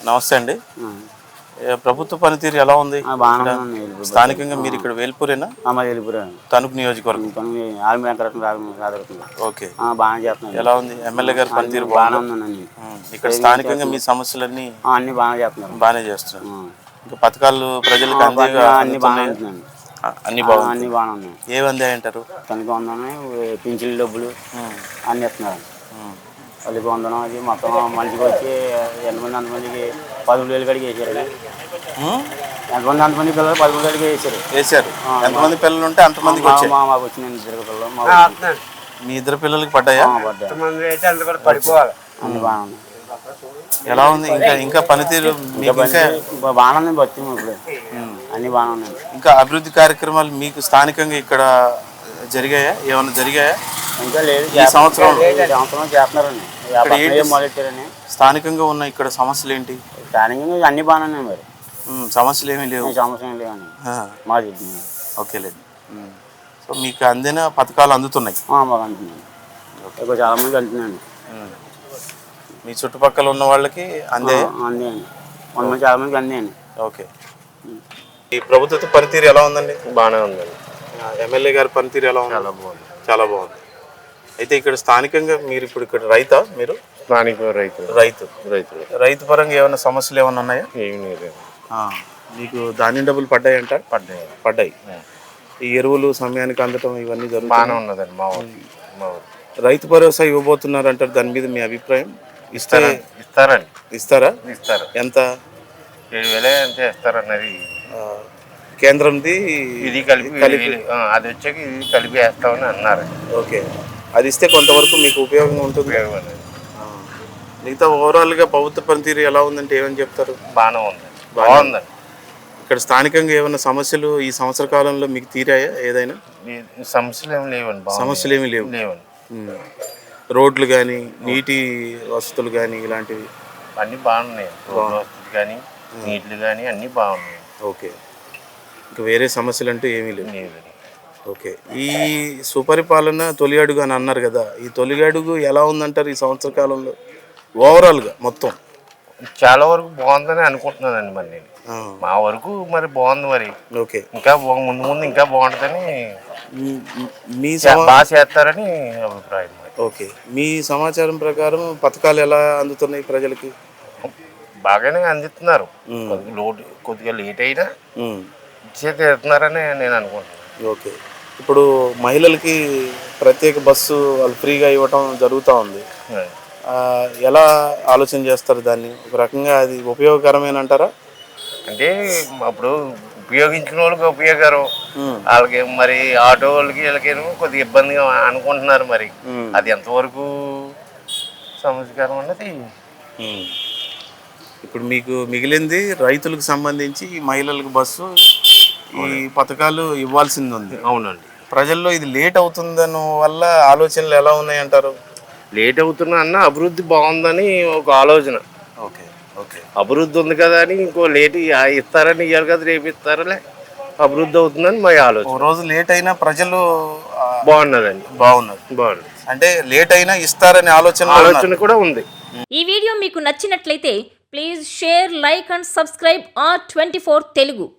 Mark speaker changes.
Speaker 1: నమస్తే అండి. ప్రభుత్వ పనితీరు ఎలా ఉంది? స్థానికంగా మీరు ఇక్కడ వేల్పూరేనా? తణుకు నియోజకవర్గం. ఓకే, ఎలా ఉంది ఎమ్మెల్యే గారి పనితీరు? బాగుంది. ఇక్కడ స్థానికంగా మీ సమస్యలన్నీ బాగానే చేస్తున్నారు. ఇంకా పథకాలు ప్రజలకు అన్ని బాగున్నాయి. ఏవి అందాయి అంటారు?
Speaker 2: పింఛన్ల డబ్బులు అన్ని ఇస్తున్నారు. పల్లి పొందడం అది మొత్తం మనిషికి వచ్చి ఎంతమంది అంతమందికి 13,000 కాడికి వేసారు. ఎంతమంది అంతమంది పిల్లలు 13,000
Speaker 1: వేసారు. ఎంతమంది పిల్లలు ఉంటే అంతమందికి
Speaker 2: మాకు వచ్చిన ఇద్దరు పిల్లలు.
Speaker 1: మీ ఇద్దరు పిల్లలకి పడ్డాయా?
Speaker 2: పడిపోవాలి. అన్ని బాగున్నాయి.
Speaker 1: ఎలా ఉంది ఇంకా పనితీరు?
Speaker 2: బాగానే వచ్చింది ఇప్పుడు. అన్ని బాగానే ఉన్నాయి.
Speaker 1: ఇంకా అభివృద్ధి కార్యక్రమాలు మీకు స్థానికంగా ఇక్కడ జరిగాయా? ఏమైనా జరిగాయా?
Speaker 2: ఇంకా లేదు.
Speaker 1: ఈ సంవత్సరం
Speaker 2: చేస్తున్నారండి.
Speaker 1: స్థానికంగా ఉన్న ఇక్కడ సమస్యలు ఏంటి?
Speaker 2: స్థానికంగా అన్ని బాగానే ఉన్నాయి. మరి
Speaker 1: సమస్యలు ఏమీ లేవు.
Speaker 2: సమస్య ఏమి లేవండి మాది.
Speaker 1: ఓకేలేదు. సో మీకు అందిన పథకాలు అందుతున్నాయి?
Speaker 2: మాకు అందుతున్నాయి. చాలా మందికి అందుతున్నాయండి.
Speaker 1: మీ చుట్టుపక్కల ఉన్న వాళ్ళకి అందేయండి.
Speaker 2: చాలా మందికి అందేయండి.
Speaker 1: ఓకే. ఈ ప్రభుత్వ పనితీరు ఎలా ఉందండి?
Speaker 3: బాగానే ఉందండి.
Speaker 1: ఎమ్మెల్యే గారి పనితీరు ఎలా ఉంది?
Speaker 3: చాలా బాగుంది.
Speaker 1: చాలా బాగుంది. అయితే ఇక్కడ స్థానికంగా మీరు ఇప్పుడు ఇక్కడ రైతా? మీరు
Speaker 3: స్థానిక
Speaker 1: రైతు పరంగా ఏమైనా సమస్యలు ఏమైనా ఉన్నాయా?
Speaker 3: ఏమి లేదు.
Speaker 1: మీకు ధాన్యం డబ్బులు పడ్డాయి అంటారు? పడ్డాయి. ఈ ఎరువులు సమయానికి అందటం ఇవన్నీ
Speaker 3: బాగానే ఉన్నదండి. మా ఊరు
Speaker 1: రైతు భరోసా ఇవ్వబోతున్నారు అంటారు. దాని మీద మీ అభిప్రాయం?
Speaker 3: ఇస్తారా?
Speaker 1: ఇస్తారా? ఎంత?
Speaker 3: 7,000 అంతే ఇస్తారన్నది.
Speaker 1: కేంద్రంది
Speaker 3: ఇది కలిపి అది వచ్చాక ఇది కలిపి వేస్తామని అన్నారు.
Speaker 1: ఓకే, అది ఇస్తే కొంతవరకు మీకు ఉపయోగంగా ఉంటుంది. మిగతా ఓవరాల్గా ప్రభుత్వ పనితీరు ఎలా ఉందంటే ఏమని చెప్తారు?
Speaker 3: బాగుందండి.
Speaker 1: ఇక్కడ స్థానికంగా ఏమైనా సమస్యలు ఈ సంవత్సర కాలంలో మీకు తీరాయా? ఏదైనా
Speaker 3: సమస్యలు ఏమి లేవండి.
Speaker 1: సమస్యలు ఏమి లేవండి. రోడ్లు కానీ నీటి వసతులు కానీ ఇలాంటివి
Speaker 3: అన్నీ బాగున్నాయి. రోడ్లు వసతులు కానీ నీళ్లు కానీ అన్నీ బాగున్నాయి.
Speaker 1: ఓకే, ఇంకా వేరే సమస్యలు అంటూ ఏమీ లేవు. ఓకే. ఈ సుపరిపాలన తొలి అడుగు అని అన్నారు కదా, ఈ తొలి అడుగు ఎలా ఉందంటారు ఈ సంవత్సర కాలంలో ఓవరాల్గా? మొత్తం
Speaker 3: చాలా వరకు బాగుందని అనుకుంటున్నానండి. మరి నేను మా వరకు మరి బాగుంది. మరి
Speaker 1: ఓకే,
Speaker 3: ఇంకా ముందు ముందు ఇంకా బాగుంటుందని
Speaker 1: మీ
Speaker 3: బాగా చేస్తారని అభిప్రాయం.
Speaker 1: ఓకే, మీ సమాచారం ప్రకారం పథకాలు ఎలా అందుతున్నాయి ప్రజలకి?
Speaker 3: బాగానే అందిస్తున్నారు. కొద్దిగా లేట్ అయినా తీరుతున్నారని నేను అనుకుంటున్నాను.
Speaker 1: ఓకే, ఇప్పుడు మహిళలకి ప్రత్యేక బస్సు వాళ్ళు ఫ్రీగా ఇవ్వటం జరుగుతూ ఉంది. ఎలా ఆలోచన చేస్తారు దాన్ని? ఒక రకంగా అది ఉపయోగకరమేనంటారా?
Speaker 3: అంటే అప్పుడు ఉపయోగించిన వాళ్ళకి ఉపయోగకరం, వాళ్ళకి మరి ఆటో వాళ్ళకి వీళ్ళకి కొద్దిగా ఇబ్బందిగా అనుకుంటున్నారు. మరి అది ఎంతవరకు సమస్యకరం అన్నది.
Speaker 1: ఇప్పుడు మీకు మిగిలింది రైతులకు సంబంధించి మహిళలకు బస్సు ఈ పథకాలు ఇవ్వాల్సింది ఉంది.
Speaker 3: అవునండి.
Speaker 1: ప్రజల్లో ఇది లేట్ అవుతుందన్న వల్ల ఆలోచనలు ఎలా ఉన్నాయంటారు?
Speaker 3: లేట్ అవుతున్నా అన్న అభివృద్ధి బాగుందని ఒక ఆలోచన.
Speaker 1: ఓకే,
Speaker 3: అభివృద్ధి ఉంది కదా అని ఇంకో లేట్ ఇస్తారని ఇవ్వాలి కదా, రేపు ఇస్తారలే అభివృద్ధి అవుతుందని మా ఆలోచన.
Speaker 1: రోజు లేట్ అయినా ప్రజలు
Speaker 3: బాగున్నదండి. బాగున్నది.
Speaker 1: అంటే లేట్ అయినా ఇస్తారనే ఆలోచన
Speaker 3: కూడా ఉంది.
Speaker 4: ఈ వీడియో మీకు నచ్చినట్లయితే please share, like and subscribe R24 Telugu.